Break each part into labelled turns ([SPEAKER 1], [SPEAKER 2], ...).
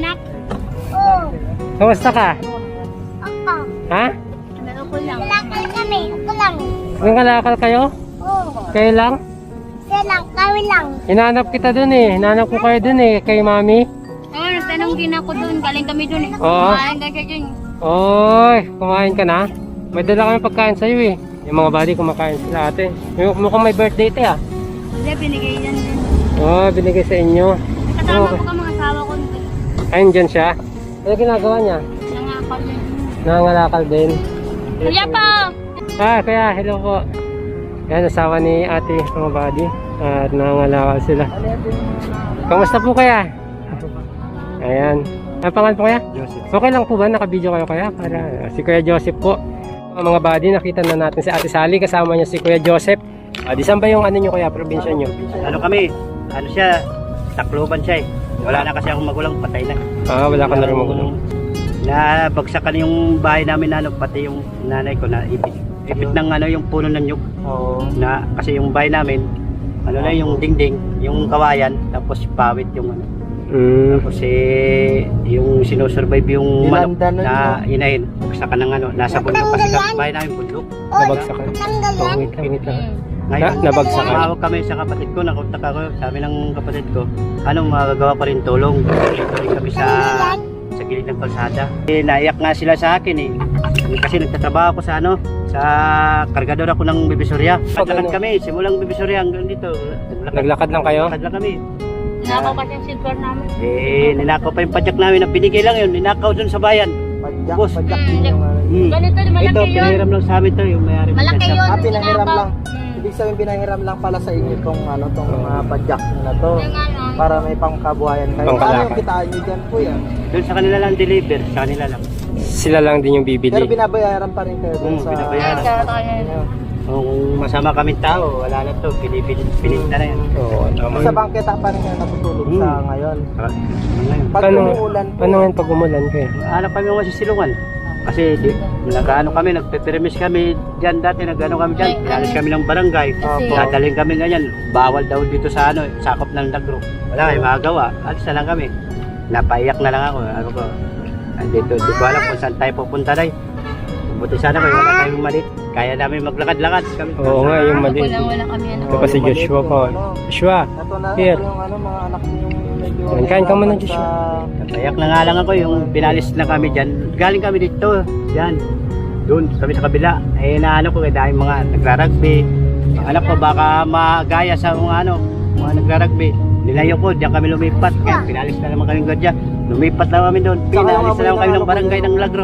[SPEAKER 1] anak? Oo.
[SPEAKER 2] Kamusta ka?
[SPEAKER 1] Ako.
[SPEAKER 2] Ha?
[SPEAKER 1] Ako lang. Kalakal kami. Ako lang.
[SPEAKER 2] Nangalakal kayo?
[SPEAKER 1] Oo.
[SPEAKER 2] Kayo lang?
[SPEAKER 1] Siya lang. Kami lang.
[SPEAKER 2] Hinahanap kita dun eh. Hinahanap ko kayo dun eh. Kay mami.
[SPEAKER 3] Oo, nagtanong din ako doon. Galing kami doon eh.
[SPEAKER 2] Oo.
[SPEAKER 3] Kumain ka dyan.
[SPEAKER 2] Oy, kumain ka na? May dala kami pagkain sa'yo eh. Yung mga buddy kumakain sila ate. Mukhang may birthday te ah.
[SPEAKER 3] Hindi, binigay yan din.
[SPEAKER 2] Oh, binigay sa inyo.
[SPEAKER 3] Kasama
[SPEAKER 2] Okay.
[SPEAKER 3] ko ka mga asawa ko.
[SPEAKER 2] Ayun dyan siya. Ano ginagawa niya?
[SPEAKER 3] Nangakal din.
[SPEAKER 2] Nangangalakal din.
[SPEAKER 3] Kuya po!
[SPEAKER 2] Kaya hello po. Yan, asawa ni ate mga buddy. At nangangalakal sila. Kamusta po kaya? Ayan. Ang pangalan po kaya?
[SPEAKER 4] Joseph.
[SPEAKER 2] Okay lang po ba? Naka-video kayo kaya? Para si Kuya Joseph po. Mga buddy, nakita na natin si Ate Sally. Kasama niya si Kuya Joseph. Di saan ba yung ano nyo kaya? Probinsya nyo?
[SPEAKER 4] Ano kami? Ano siya? Tacloban siya eh. Wala na kasi akong magulang, patay na.
[SPEAKER 2] Wala ka na rin magulang.
[SPEAKER 4] Nabagsakan yung bahay namin na ano, pati yung nanay ko na ipit ng ano yung puno ng nyug.
[SPEAKER 2] Oo.
[SPEAKER 4] Na kasi yung bahay namin, ano na yung dingding, yung kawayan, tapos pawit yung ano. Tapos yung sinusurvive yung manok na inahin. Bagsakan ng ano, nasa bundok kasi bahay namin bundok.
[SPEAKER 2] Nabagsakan.
[SPEAKER 1] Tanggal
[SPEAKER 2] Oh,
[SPEAKER 1] yan.
[SPEAKER 2] wait lang.
[SPEAKER 4] Ngayon,
[SPEAKER 2] Nabagsakan.
[SPEAKER 4] tumawag kami sa kapatid ko, nakontak ako, sabi ng kapatid ko, anong magagawa pa rin tulong? Tuloy kami sa gilid ng kalsada. Naiyak nga sila sa akin eh. Kasi nagtatrabaho ako sa ano, sa kargador ako ng Bibisoria. Naglakad kami, simulang Bibisoria hanggang dito.
[SPEAKER 2] Naglakad lang kayo?
[SPEAKER 4] Naglakad lang kami.
[SPEAKER 3] Nakaw kasi yung silver namin.
[SPEAKER 4] Ninakaw pa yung padyak namin, binigay lang yun, ninakaw dun sa bayan. Boss.
[SPEAKER 3] Ganito,
[SPEAKER 4] Ito,
[SPEAKER 3] malaki yun.
[SPEAKER 4] pinahiram lang sa amin to, yung mayari.
[SPEAKER 3] Malaki yun.
[SPEAKER 5] Pinahiram
[SPEAKER 3] Nakaw.
[SPEAKER 5] lang. Ibig sabihin pinahiram lang pala sa inyo tong ano tong mga padyak na to
[SPEAKER 3] Yung ano.
[SPEAKER 5] para may pangkabuhayan kayo.
[SPEAKER 2] Pangkalakal.
[SPEAKER 5] Ano yung kitaan nyo dyan po yan?
[SPEAKER 4] Doon sa kanila lang deliver, sa kanila lang.
[SPEAKER 2] Sila lang din yung
[SPEAKER 5] Pero
[SPEAKER 2] bibili.
[SPEAKER 5] binabayaran pa rin kayo dun sa...
[SPEAKER 4] Binabayaran.
[SPEAKER 5] Ano.
[SPEAKER 4] Kung masama kaming tao, wala na to, pinita na yan.
[SPEAKER 2] Oo, tama.
[SPEAKER 5] Sa bangketa pa rin kayo natutulog sa ngayon. Pag
[SPEAKER 2] Paano,
[SPEAKER 5] umuulan po,
[SPEAKER 2] paano ngayon pag umulan kayo?
[SPEAKER 4] Hanap kami mga sisilungan. Kasi nag-ano kami, nagpe-permis kami dyan dati, nag-ano kami dyan. Pinalis kami ng barangay.
[SPEAKER 5] Opo.
[SPEAKER 4] Dadaling kami ganyan. Bawal daw dito sa ano, sakop ng Negro. Wala kayo magagawa. Alis na lang kami. Napaiyak na lang ako. Ano ko, dito, di ko alam kung saan tayo pupunta na. Buti sana kung wala tayong malit. Kaya namin maglakad-lakad. Kami.
[SPEAKER 2] Oo nga, yung mali.
[SPEAKER 3] Wala kami ano.
[SPEAKER 2] Ito pa si Joshua po. Joshua,
[SPEAKER 5] ito na
[SPEAKER 2] here.
[SPEAKER 5] ito yung ano, mga anak niyo medyo...
[SPEAKER 2] Kain ka muna, Joshua.
[SPEAKER 4] Napayak na nga lang ako yung pinalis na kami dyan. Galing kami dito, dyan. Doon, kami sa kabila. Naano ko kaya dahil mga nagrarugby. Ang anak ko baka magaya sa mga nagrarugby. Nilayo ko, diyan kami lumipat. Kaya pinalis na naman kami gadya. Lumipat na kami doon. Pinalis na naman kami ng barangay ng Lagro.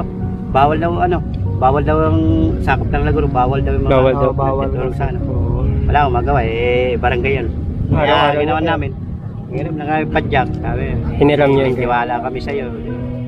[SPEAKER 4] Bawal daw ang sakop ng Lagro. Bawal daw yung mga
[SPEAKER 2] Bawal daw.
[SPEAKER 4] nagtutulog sa ano. Wala akong magawa, barangay yun. Kaya ginawa namin. Hiniram na kami padyak. Sabi,
[SPEAKER 2] Hiniram niyo yun.
[SPEAKER 4] tiwala kami sa iyo.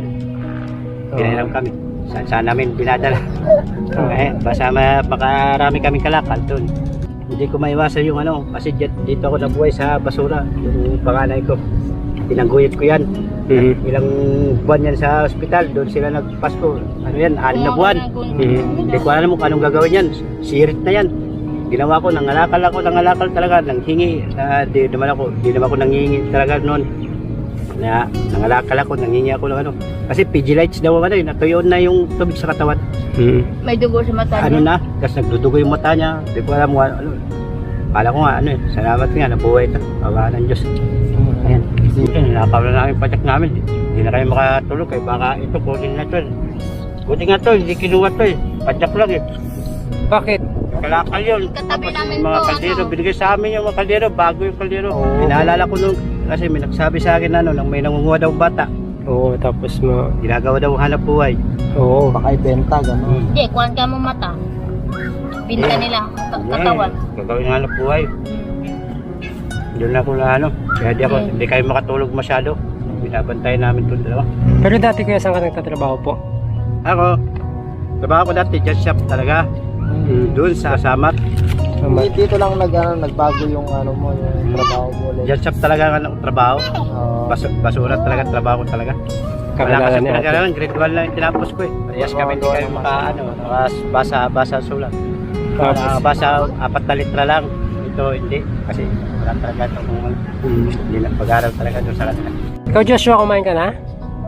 [SPEAKER 4] Hiniram kami. Saan namin binadala. Basta makarami kaming kalakal doon. Hindi ko maiwasan yung kasi dito ako nabuhay sa basura. Yung panganay ko. Tinangguyot ko yan. Ilang buwan yan sa ospital. Doon sila nagpasko. Ano yan? 6 na buwan. Hindi ko alam kung anong gagawin yan. Sirit na yan. Ginawa ko, nangalakal talaga, nanghingi. Di naman ako nanghingi talaga noon. Nangalakal ako, nanghingi ako ng Kasi PG lights daw natuyo na yung tubig sa katawan.
[SPEAKER 3] May dugo sa mata
[SPEAKER 4] Ano
[SPEAKER 3] niya.
[SPEAKER 4] na, kasi nagdudugo yung mata niya. Di ko alam Kala ko nga, salamat nga, nabuhay ito. Awa ng Diyos. Ayan. Nakaw na namin padyak namin. Hindi na kayo makatulog baka ito, kunin na ito. Buti nga ito, hindi kinuha ito Padyak lang
[SPEAKER 2] Bakit?
[SPEAKER 4] Kalakal yun.
[SPEAKER 3] Katabi
[SPEAKER 4] Tapos
[SPEAKER 3] namin
[SPEAKER 4] yung mga
[SPEAKER 3] to,
[SPEAKER 4] kaldero, binigay sa amin yung mga kaldero, bago yung kaldero.
[SPEAKER 2] Oo.
[SPEAKER 4] Pinaalala ko nung, kasi may nagsabi sa akin nang may nangunguha daw bata.
[SPEAKER 2] Oo, tapos
[SPEAKER 4] Ginagawa daw hanap buhay.
[SPEAKER 2] Oo.
[SPEAKER 5] Baka ibenta, gano'n.
[SPEAKER 3] Hindi, kuhan ka mo mata. Binta nila. Katawan.
[SPEAKER 4] Gagawin hanap buhay. Doon ako kaya hindi kayo makatulog masyado. Binabantayan namin itong dalawa.
[SPEAKER 2] Pero dati kuya, saan ka nagtatrabaho po?
[SPEAKER 4] Ako, trabaho ko dati, jet shop talaga. Doon sa Samat.
[SPEAKER 5] Dito lang nagbago yung yung trabaho mo ulit.
[SPEAKER 4] Jet shop talaga ang trabaho. Basura talaga, trabaho ko talaga. Wala kasi
[SPEAKER 2] ni ate.
[SPEAKER 4] pinag-aralan, grade 1 lang yung tinapos ko Parehas kami hindi kayo basa sulat. Basa 4 na litra lang. Ito hindi, kasi wala talaga itong hindi na pag-aral talaga doon sa kanila.
[SPEAKER 2] Ikaw Joshua, kumain ka na?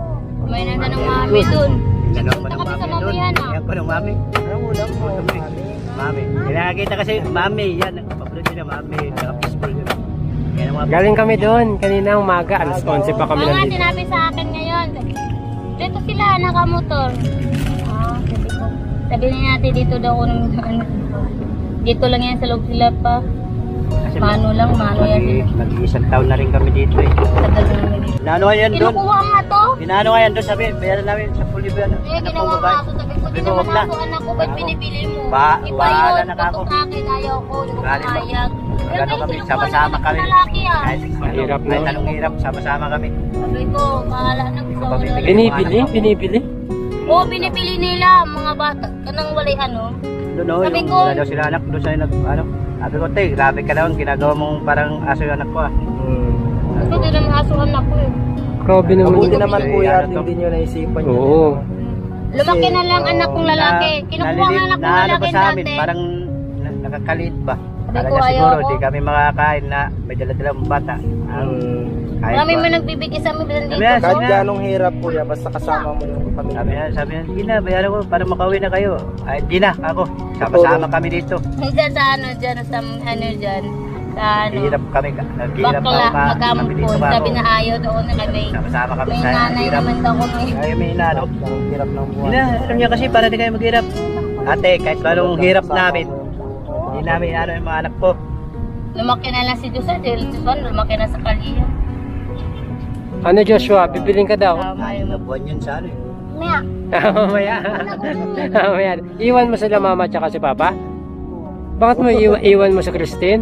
[SPEAKER 3] May nanda ng mami dun.
[SPEAKER 4] Inano ko
[SPEAKER 3] Punta
[SPEAKER 4] ng
[SPEAKER 3] kami sa
[SPEAKER 4] mami doon.
[SPEAKER 3] mamihan, ah.
[SPEAKER 4] Yan ko ng mami.
[SPEAKER 5] Anong ulam mo?
[SPEAKER 4] Mami. Kinakita kasi mami. Yan. Papunod nila mami. Naka-peaceful yun. Yan ang mami.
[SPEAKER 2] Galing kami doon. Kanina umaga. Alas 11 pa kami
[SPEAKER 3] Oo nga,
[SPEAKER 2] nandito.
[SPEAKER 3] sinabi sa akin ngayon. Dito sila, nakamotor. Sabi ko. Sabi niya natin dito daw ako ng ano. Dito lang yan sa loob sila pa.
[SPEAKER 4] Kasi
[SPEAKER 3] Mano lang, mano yan sila.
[SPEAKER 4] Mag-isang taon na rin kami dito eh.
[SPEAKER 3] Tagal na naman dito.
[SPEAKER 4] Inaano nga yan doon?
[SPEAKER 3] Kinukuha nga to.
[SPEAKER 4] Inaano nga yan doon. Sabi, bayaran namin sa fully ba?
[SPEAKER 3] Eh, ginawa nga ako. Sabi ko, di naman ako anak ko. Ba't pinipili mo? Iba
[SPEAKER 4] Bahala
[SPEAKER 3] yun.
[SPEAKER 4] na ako.
[SPEAKER 3] Putok akin, ayaw ko. Hindi ko
[SPEAKER 4] Galing ba?
[SPEAKER 3] pumayag.
[SPEAKER 4] Magano kami, sama-sama kami.
[SPEAKER 3] Lalaki ah.
[SPEAKER 2] Mahirap na.
[SPEAKER 4] Kahit anong hirap, sama-sama kami.
[SPEAKER 3] Sabi ko, bahala na. Gusto ko na.
[SPEAKER 2] Binibili? Binibili?
[SPEAKER 3] Oo, binipili nila mga bata. Kanang walay ano.
[SPEAKER 4] Doon o,
[SPEAKER 3] Sabi
[SPEAKER 4] yung
[SPEAKER 3] ko-
[SPEAKER 4] wala daw sila anak. Doon sa nag, ano. Sabi ko, te, grabe ka naman. Ginagawa mong parang aso yung anak ko ah.
[SPEAKER 3] Kasi di naman asuhan ako eh.
[SPEAKER 2] Grabe naman.
[SPEAKER 5] Mabuti
[SPEAKER 2] yun.
[SPEAKER 5] naman
[SPEAKER 4] Ano
[SPEAKER 5] kuya at
[SPEAKER 4] to?
[SPEAKER 5] hindi nyo naisipan yun.
[SPEAKER 2] Oo.
[SPEAKER 3] Lumaki na lang anak kong lalaki. Kinukuha nga anak kong
[SPEAKER 4] Naano
[SPEAKER 3] lalaki
[SPEAKER 4] ba sa amin?
[SPEAKER 3] dati.
[SPEAKER 4] Parang nakakalit ba?
[SPEAKER 3] Sabi
[SPEAKER 4] Talaga
[SPEAKER 3] ko,
[SPEAKER 4] siguro,
[SPEAKER 3] ayoko.
[SPEAKER 4] di kami makakain na may dala-dalang bata. Kahit
[SPEAKER 3] Marami
[SPEAKER 4] ba?
[SPEAKER 3] man nagbibigay sa amin dito.
[SPEAKER 4] Sabi yan,
[SPEAKER 5] Kahit ganong hirap kuya, basta kasama mo yung
[SPEAKER 4] Sabi
[SPEAKER 5] pamilya.
[SPEAKER 4] yan, hindi na, bayaran ko para makauwi na kayo. Ay, di na, ako. Sama-sama kami dito.
[SPEAKER 3] Diyan sa ano dyan, sa ano dyan. Sa ano.
[SPEAKER 4] Naghihirap kami, naghihirap
[SPEAKER 3] Bakla,
[SPEAKER 4] kami dito.
[SPEAKER 3] magampon.
[SPEAKER 4] Ako.
[SPEAKER 3] Sabi na ayaw doon na kami.
[SPEAKER 4] Sama-sama kami
[SPEAKER 3] May
[SPEAKER 4] sa
[SPEAKER 3] nanay
[SPEAKER 4] hirap.
[SPEAKER 3] naman daw ko may.
[SPEAKER 4] Ay, may inano.
[SPEAKER 5] Ang hirap ng buwan.
[SPEAKER 4] Hindi na, alam niya kasi para di kayo maghirap. Ate, kahit anong hirap namin, hindi namin ano yung mga anak ko.
[SPEAKER 3] Lumaki na lang si Josa. Dahil Josa, lumaki na sa kaliya.
[SPEAKER 2] Ano Joshua? Bibiling ka daw?
[SPEAKER 4] Ay, nabuhan yun sa ano eh.
[SPEAKER 1] Maya.
[SPEAKER 2] Mamaya. Mamaya. Iwan mo sila mama at si papa? Bakit mo iwan mo sa Christine?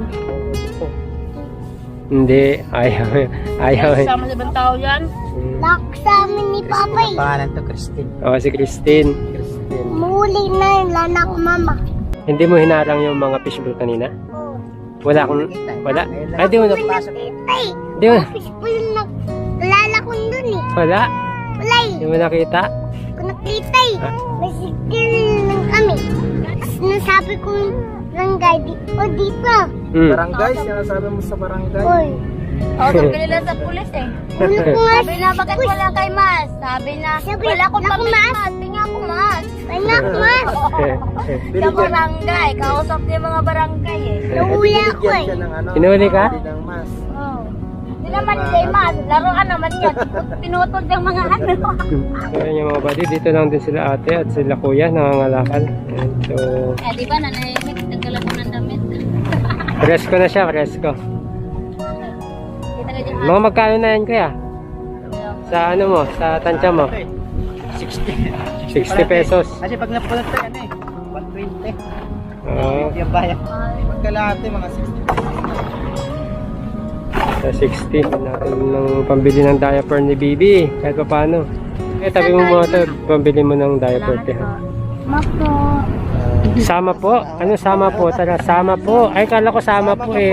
[SPEAKER 2] Hindi. Ayaw. Ayaw.
[SPEAKER 3] Kasama sa ibang tao yan.
[SPEAKER 1] Lock sa amin ni Papa eh.
[SPEAKER 4] Pangalan to, Christine.
[SPEAKER 2] Oo, si Christine.
[SPEAKER 1] Muli na yung lana ko mama.
[SPEAKER 2] Hindi mo hinarang yung mga fishbowl kanina? Wala akong... Wala? Ay, di mo na...
[SPEAKER 1] Ay,
[SPEAKER 2] Di mo...
[SPEAKER 1] fishbowl na lala ko dun eh.
[SPEAKER 2] Wala?
[SPEAKER 1] Wala eh.
[SPEAKER 2] Di mo nakita?
[SPEAKER 1] Kung nakita eh. May sikil lang kami. Tapos nasabi ko barangay, dito.
[SPEAKER 2] Hmm.
[SPEAKER 5] Barangay, sinasabi mo sa barangay.
[SPEAKER 1] Oy.
[SPEAKER 3] Sabi nila sa pulis eh.
[SPEAKER 1] Ano ko nga
[SPEAKER 3] Sabi na, bakit wala kay Mas? Sabi na, wala akong
[SPEAKER 1] naku,
[SPEAKER 3] pamilya
[SPEAKER 1] Mas.
[SPEAKER 3] Mas. Pinga ako Mas.
[SPEAKER 1] anak mas.
[SPEAKER 3] Sa barangay. Kausap niya mga barangay eh.
[SPEAKER 1] Nahuli ako
[SPEAKER 5] Binigyan
[SPEAKER 1] eh.
[SPEAKER 5] siya ng ano.
[SPEAKER 2] Sinuli ka?
[SPEAKER 5] Ng mas.
[SPEAKER 3] Oh. Hindi naman kay Mas. Laruan naman yan. Pinutol yung mga ano.
[SPEAKER 2] Ayan yung mga buddy, dito lang din sila ate at sila kuya nangangalakal. Ayan, so,
[SPEAKER 3] Eh di ba nanahimik. Nagkalat ko ng damit.
[SPEAKER 2] presko na siya, presko.
[SPEAKER 3] Kita ka dyan.
[SPEAKER 2] Mga magkano na yan kuya? Sa ano mo, sa tansya mo?
[SPEAKER 4] 60.
[SPEAKER 2] 60 pesos.
[SPEAKER 4] Kasi pag napulot ko yan eh, 120.
[SPEAKER 2] Oo,
[SPEAKER 4] Yung bayan.
[SPEAKER 5] Magkalahati, mga 60.
[SPEAKER 2] sa 60. Natin ng pambili ng diaper ni Bibi. Kahit pa paano. Eh, tabi mo mga ito, pambili mo ng diaper.
[SPEAKER 1] Mapo.
[SPEAKER 2] Sama po? Ano sama po? Tara, sama po. Ay, kala ko sama po eh.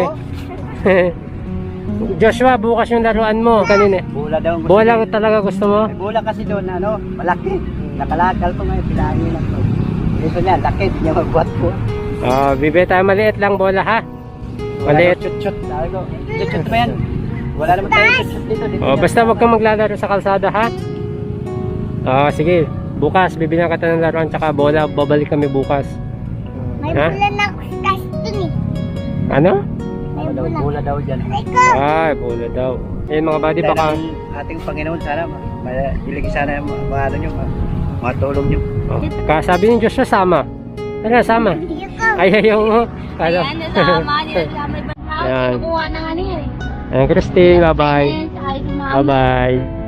[SPEAKER 2] Joshua, bukas yung laruan mo. Kanina.
[SPEAKER 4] Bula daw. ang gusto
[SPEAKER 2] Bola
[SPEAKER 4] niya.
[SPEAKER 2] talaga gusto mo?
[SPEAKER 4] May bula kasi doon, ano, malaki. Nakalagal ko ngayon, pinangin lang to. Ito niya, laki, di niya magbuhat ko.
[SPEAKER 2] Bibi tayo maliit lang bola ha? Maliit.
[SPEAKER 4] Chut-chut. Sabi ko, chut-chut pa yan. Wala naman tayo chut-chut dito.
[SPEAKER 2] Basta wag kang maglalaro sa kalsada ha? Sige. Bukas, bibilang ka ng laruan tsaka bola. Babalik kami bukas.
[SPEAKER 1] May
[SPEAKER 2] Ha?
[SPEAKER 1] bulan ako sa taas dun eh.
[SPEAKER 2] Ano?
[SPEAKER 1] May
[SPEAKER 4] Daw,
[SPEAKER 1] bulan.
[SPEAKER 4] bula daw dyan.
[SPEAKER 1] Ikaw.
[SPEAKER 2] Ay, bola daw. Eh mga buddy,
[SPEAKER 4] Dahil
[SPEAKER 2] baka...
[SPEAKER 4] ang ating Panginoon, sana, ilagay sana yung mga ano nyo, mga tulong nyo.
[SPEAKER 2] Kasabi ni Joshua, sama. Tara, sama.
[SPEAKER 1] Ikaw.
[SPEAKER 2] Ay, ayaw mo. Kala.
[SPEAKER 3] Ayan, nasama niya. Nasama ibang tao.
[SPEAKER 2] Ayan.
[SPEAKER 3] Kinukuha ng ano yan eh.
[SPEAKER 2] Ayan, Christine, bye-bye.
[SPEAKER 3] Ayan, sa ayos ng mga
[SPEAKER 2] Bye-bye.